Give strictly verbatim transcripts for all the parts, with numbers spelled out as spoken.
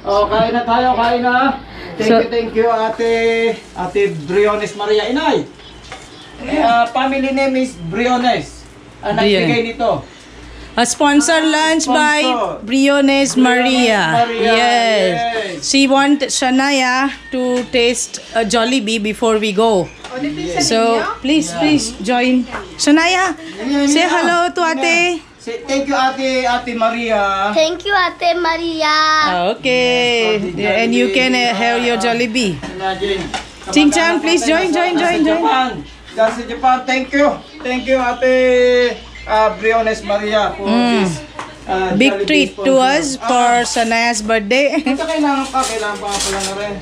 Oh, kain na tayo, kain na. Thank So- you, thank you, Ate Ate Briones Maria. Inay, uh, family name is Briones. Ang nagbigay nito. A sponsor lunch by Sponsor. Briones Maria. Maria, Yes. yes. She want Shania to taste a Jollibee before we go. So, please, please join. Shania, say hello to Ate. Say, thank you, Ate Ate Maria. Thank you, Ate Maria. Okay. And you can uh, have your Jollibee. Imagine. Ching-chang, please join, join, join, join. Japan. That's Japan. Thank you. Thank you, Ate uh, Briones Maria for this uh, Big Jollibee treat to us sponsor. for Shania's birthday. Ito kailangan pa, kailangan pa pala na rin.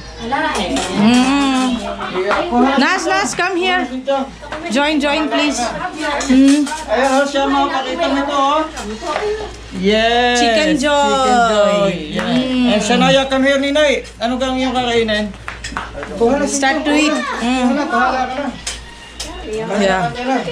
Mm. Yeah, kuha- Nas, Nas, come here. Ito. Join, join, please. Mm. Ayan o, siya mga pakita mo ito o. Yes! Chicken joy. Chicken joy. Yeah. Mm. And Shania, come here, Ninay. Ano kang iyong kakainin? Kuha na Start to eat. Kuha Mm. na, bahala ka na. Yeah.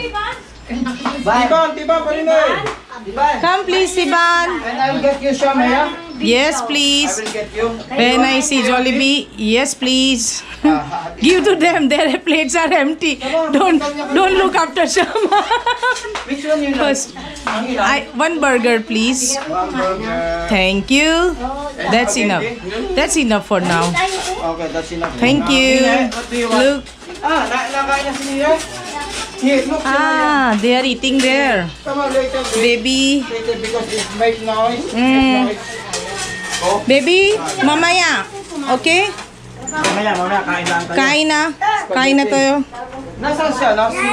Tiban, tiban pa Ninay. Tiban. Come please, Siban. And I'll get you some, yeah? Yes, I please. will get you. When I see Jollibee, yes, please. Ah, Give to them. Their plates are empty. Don't don't look after Shama. which one you like? First, Ang ilan? I one burger, please. One burger. Thank you. That's Okay, enough. okay. That's enough for now. Okay, that's enough. Thank Ah, you. Ninay, what do you want? Look. Ah, na nakain na si Ninay? Here, look. Ah, they are eating there. Come on, later, baby. Baby, Later, because it make noise. Mm. Make noise. Oh. baby, mamaya. Okay? Mamaya, mamaya, kain lang tayo. Kain na. Kain na tayo. Nasaan siya, no? Si...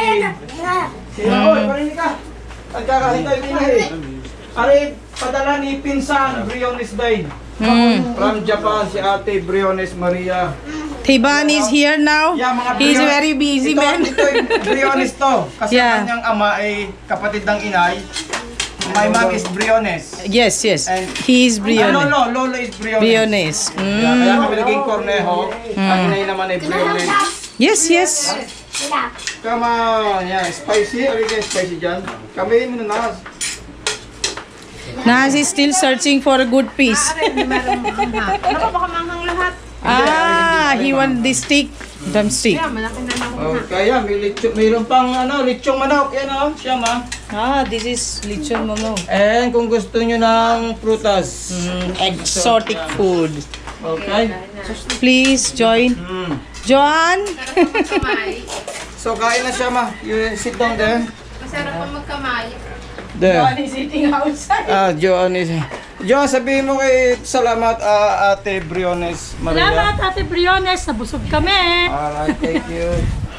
Si Raoy, parinig ka. Pagkakain tayo din eh. Ari, padala ni Pinsan, Briones Day. Mm. From Japan, si Ate Briones Maria. Tiban is here now. Yeah, mga He's Brion- very busy, ito, man. Ito, yung Briones to. Kasi Yeah. kanyang ama ay kapatid ng inay. My mom is Briones. Yes, yes. And- He is Ah, Briones. Lolo, Lolo is Briones. Briones. Yeah, kaya Mm. kami naging Cornejo. Ang inay naman ay Briones. Yes, yes. Come on, yeah, spicy. Are you guys spicy dyan? Kami mo na. Naz is still searching for a good piece. Ah, he want the stick. Drumstick. Oh, kaya may lechon, mayroon pang ano, lechong manok. Yan oh, siya ma. Ah, this is lechon momo. And kung gusto nyo ng prutas. Mm, exotic food. Okay? Please join. Mm. Joan. So kain na siya ma. You sit down there. Masarap pa magkamay. There. is eating outside. Ah, Joan is... Joan, sabihin mo kay salamat ah, Ate Briones Maria. Salamat, Ate Briones. Nabusog kami. Alright, thank you.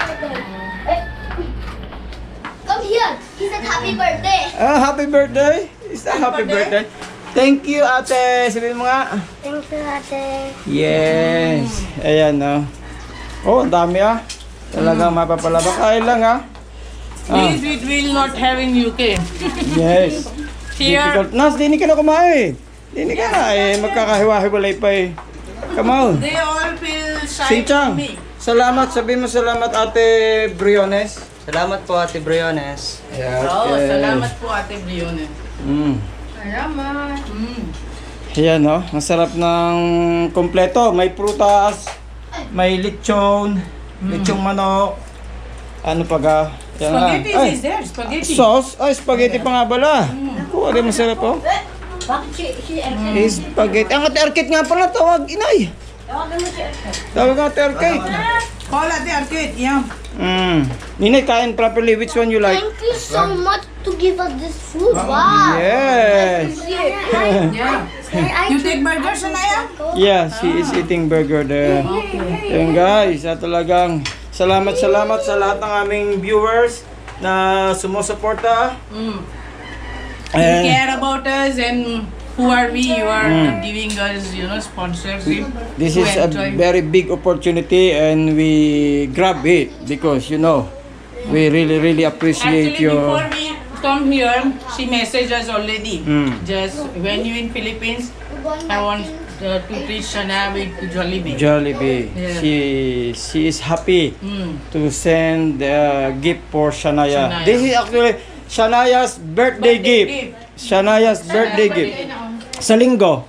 Come here. He said happy birthday. Ah, happy birthday. Is that happy birthday? Thank you, Ate. Sabihin mo nga. Thank you, Ate. Yes. Ayan, no. Oh, ang dami ah. Talagang mapapalaba. Kain lang ah. Ah, This we will not have in U K. yes. Here, Difficult. Nas, dinig ka na kumain. Dinig ka na eh. Magkakahiwa-hiwalay pa eh. Come on. they all feel shy Sing-chang. to me. Salamat. Sabihin mo salamat, Ate Briones. Salamat po, Ate Briones. Yeah, Oh, okay. salamat po Ate Briones. Mm. Salamat. Mm. Ayan, no? Masarap ng kompleto. May prutas, may lechon, lechong manok. Ano pa ga? Yan lang. Spaghetti Ay, is there, spaghetti. sauce? Ay, spaghetti pa nga bala. Oh, ano masarap po? Bakit si, si Eh, spaghetti. Ang Ate Arcade nga pala, tawag, inay. Tawag nga Ate Arcade. Call Ate Arcade, yeah. Mm. Ninay, kain properly. Which one you like? Thank you so much to give us this food. Wow. Yes. Yeah. I You take burger, Shania? Yeah, she is eating burger there. Yan guys, at talagang salamat salamat sa lahat ng aming viewers na sumusuporta. Mm. You And care about us and who are we? You are giving us, you know, sponsorship. this to is a enjoy. very big opportunity and we grab it because you know, we really really appreciate Actually, your before we come here, she messaged us already. Mm. Just when you in Philippines, I want uh, to treat Shania with Jollibee. Jollibee. Yeah. She she is happy Mm. to send a gift for Shania. Shania. This is actually Shania's birthday, Birthday gift. Shania's birthday gift. Sa linggo.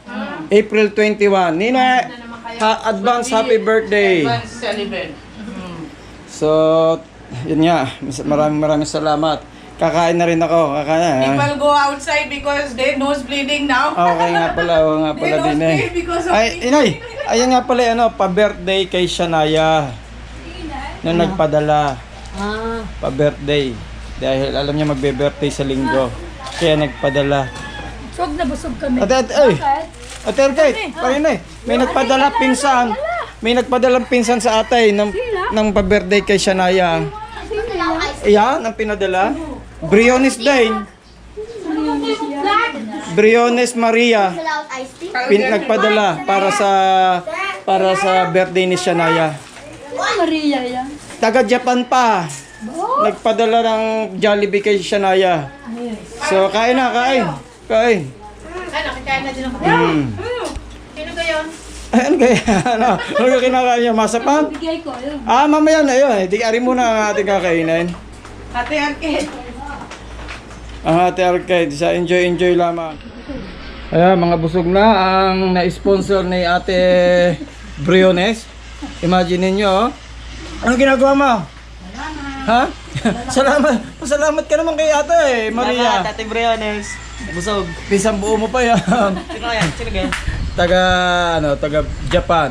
April twenty-one. Nina, ha- advance happy birthday. Advance celebrate. So, yun nga. Mas- Maraming maraming salamat. Kakain na rin ako. Kakain. ah. People go outside because they nose bleeding now. Okay nga pala. Oo nga pala They din don't eh. pay because of Ay, me. inay. Ayan nga pala, ano, pa-birthday kay Shania. Nung nagpadala. Ah. Pa-birthday. Dahil alam niya magbe-birthday sa linggo. Kaya nagpadala. Busog na busog kami. Ate, ate, ay! Bakit? Ate, ate, parin eh. May nagpadala pinsan. May nagpadalang pinsan sa atay ng, ng pa-birthday kay Shania. Iyan, ang pinadala. Briones din. Briones Maria. Without iced tea? Pin, nagpadala para sa para sa birthday ni Shania. Maria yan. Taga Japan pa. Nagpadala ng Jollibee kay Shania. So, kain na, kain. Kain. Ano, kakain na din ako. Hmm. Sino ba yun? Ay, ano kaya? Ano? Ano yung kinakain niya? Masapang? Bigay ko, yun. Ah, mamaya na yun. Di ari muna ang ating kakainin. Ate Arcade. Ang ate arcade. Sa enjoy-enjoy lamang. Ayan, mga busog na ang na-sponsor ni ate Briones. Imagine niyo, oh. Ano ginagawa mo? Ha? Salamat. Salamat ka naman kay ate eh, Maria. Salamat, Ate Briones. Busog. Pisang buo mo pa yan. Sino kaya? Sino kaya? taga ano, taga Japan.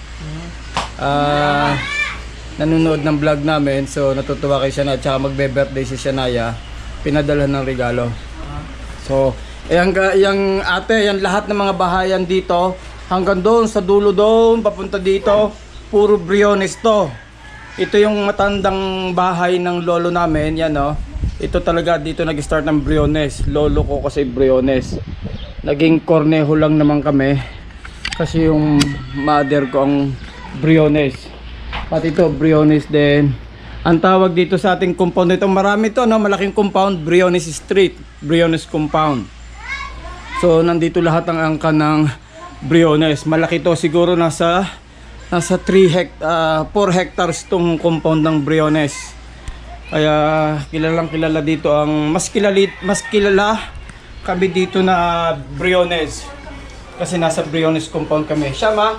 Ah, nanonood ng vlog namin, so natutuwa kay Shania, tsaka magbe-birthday si Shania, pinadala ng regalo. So, ayan ga, yung ate, yan lahat ng mga bahayan dito, hanggang doon sa dulo doon, papunta dito, puro Briones to. Ito yung matandang bahay ng lolo namin, yan oh. Ito talaga dito nag-start ng Briones. Lolo ko kasi Briones. Naging Cornejo lang naman kami kasi yung mother ko ang Briones. Pati ito Briones din. Ang tawag dito sa ating compound ito, marami to, no? Malaking compound, Briones Street, Briones Compound. So nandito lahat ang angka ng Briones. Malaki to, siguro nasa nasa three hect uh, four hectares tong compound ng Briones. Kaya kilalang kilala dito ang mas kilala mas kilala kami dito na Briones. Kasi nasa Briones compound kami. Shama,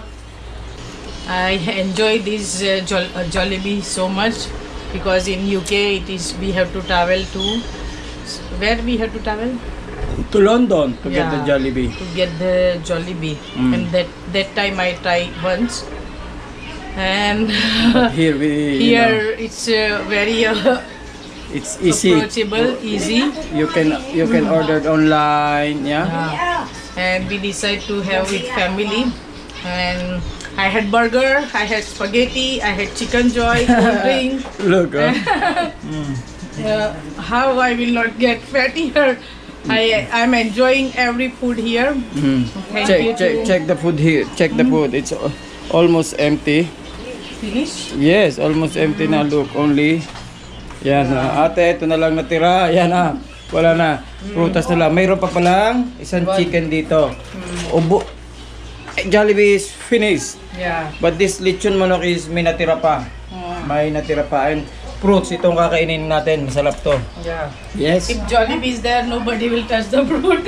I enjoy this uh, Jol- uh, Jollibee so much because in U K it is we have to travel to where we have to travel to London to get the Yeah. Jollibee. to get the Jollibee Mm. and that that time I tried once and But here we you know, here it's uh, very uh, it's easy. approachable, easy. You can you can order it online, yeah. And we decide to have with family. And I had burger, I had spaghetti, I had chicken joy, cold drink. Look, oh. Uh, how I will not get fat here? I I'm enjoying every food here. Mm. Thank Check you check to- check the food here. Check the food. It's al- almost empty. Finish. Yes, almost empty na. Look, only. Yan na. Ate, ito na lang natira. Yan na. Wala na. Prutas na lang. Mayroon pa palang isang chicken dito. Ubo. Eh, Jollibee is finished. Yeah. But this lechon manok is may natira pa. May natira pa. And fruits, itong kakainin natin. Masarap to. Yeah. Yes. If Jollibee is there, nobody will touch the fruit.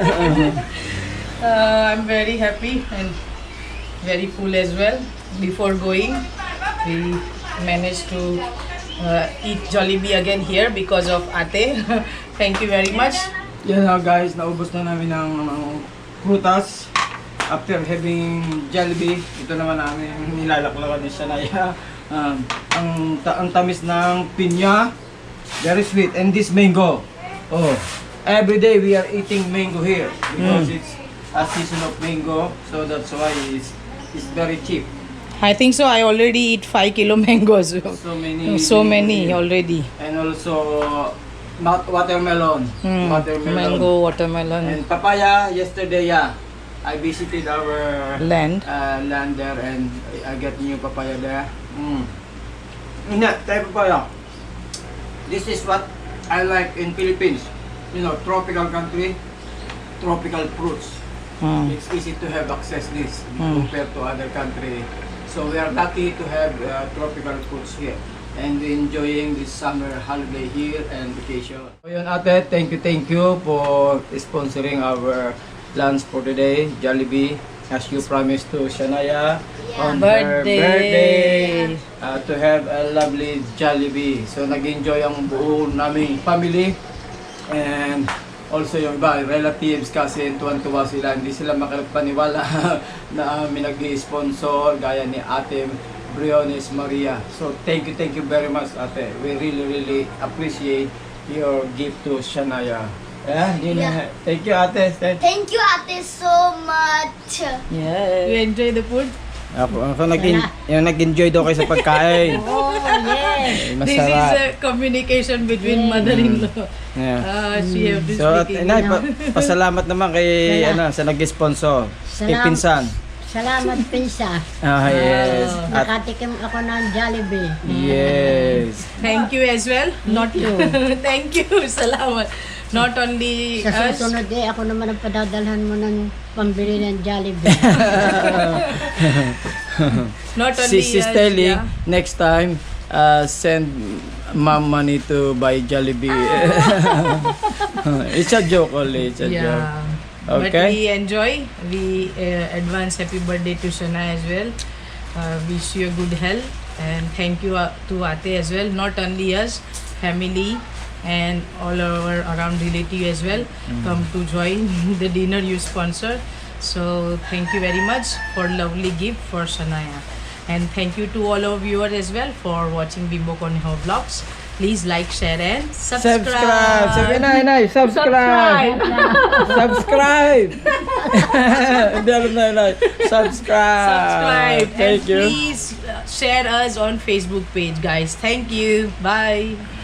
uh, I'm very happy and very full as well. Before going, we managed to uh, eat Jollibee again here because of Ate. Thank you very much. Yan na guys, naubos na namin ng uh, prutas. After having Jollibee, ito naman namin nilalaklakan ni Shania. Um, ang, ta- ang tamis ng pinya, very sweet. And this mango, oh, every day we are eating mango here because it's a season of mango, so that's why it's, it's very cheap. I think so. I already eat five kilo mangoes. So many, So mango many here. already. And also, not watermelon, Hmm. watermelon. Mango, watermelon, And papaya, yesterday, yeah, I visited our land. uh, land there and I get new papaya there. Mm. Hindi, tayo papaya. This is what I like in Philippines. You know, tropical country, tropical fruits. Hmm. It's easy to have access this Mm. compared to other country. So we are lucky to have uh, tropical fruits here and enjoying this summer holiday here and vacation. So yun ate, thank you, thank you for sponsoring our lunch for today, Jollibee. as you promised to Shania on her Birthday. birthday uh, to have a lovely Jollibee. So nag-enjoy ang buo naming family and also yung iba, relatives kasi tuwan-tuwa sila. Hindi sila makapaniwala na may nag-sponsor gaya ni Ate Briones Maria. So thank you, thank you very much Ate. We really, really appreciate your gift to Shania. Yeah, yun na. Yeah. Thank you Ate. Thank Thank you, Ate, so much. You enjoy the food? Ako, ako nag yung nag-enjoy daw kayo sa pagkain. Oh, yes. Eh, This is Masarap. a communication between mother-in-law. Yeah. Ah, she have to So, at, speak inay, English. pa, pasalamat naman kay ano, sa nag-sponsor. Kay Salam- Pinsan. Salamat, Pinsa. Ah, yes. At, Nakatikim ako ng Jollibee. yes. Thank you as well. Not you. Thank you. Salamat. Not only Sa us. susunod eh, ako naman ang padadalhan mo ng pambili ng Jollibee. Not only Si Sis us. Telly, yeah. next time, uh, send mom money to buy Jollibee. It's a joke only. It's a joke. Yeah. But Okay. we enjoy. We uh, advance happy birthday to Shana as well. Uh, wish you a good health and thank you uh, to Ate as well. Not only us, family and all our around relative as well come to join the dinner you sponsor. So thank you very much for lovely gift for Shania. And thank you to all our viewers as well for watching Bimbo Cornejo vlogs. Please like, share and subscribe. Subscribe! Sabi na, inay, subscribe! Subscribe! Hindi alam na, inay. Subscribe! Subscribe. Thank and you. please uh, share us on Facebook page, guys. Thank you. Bye.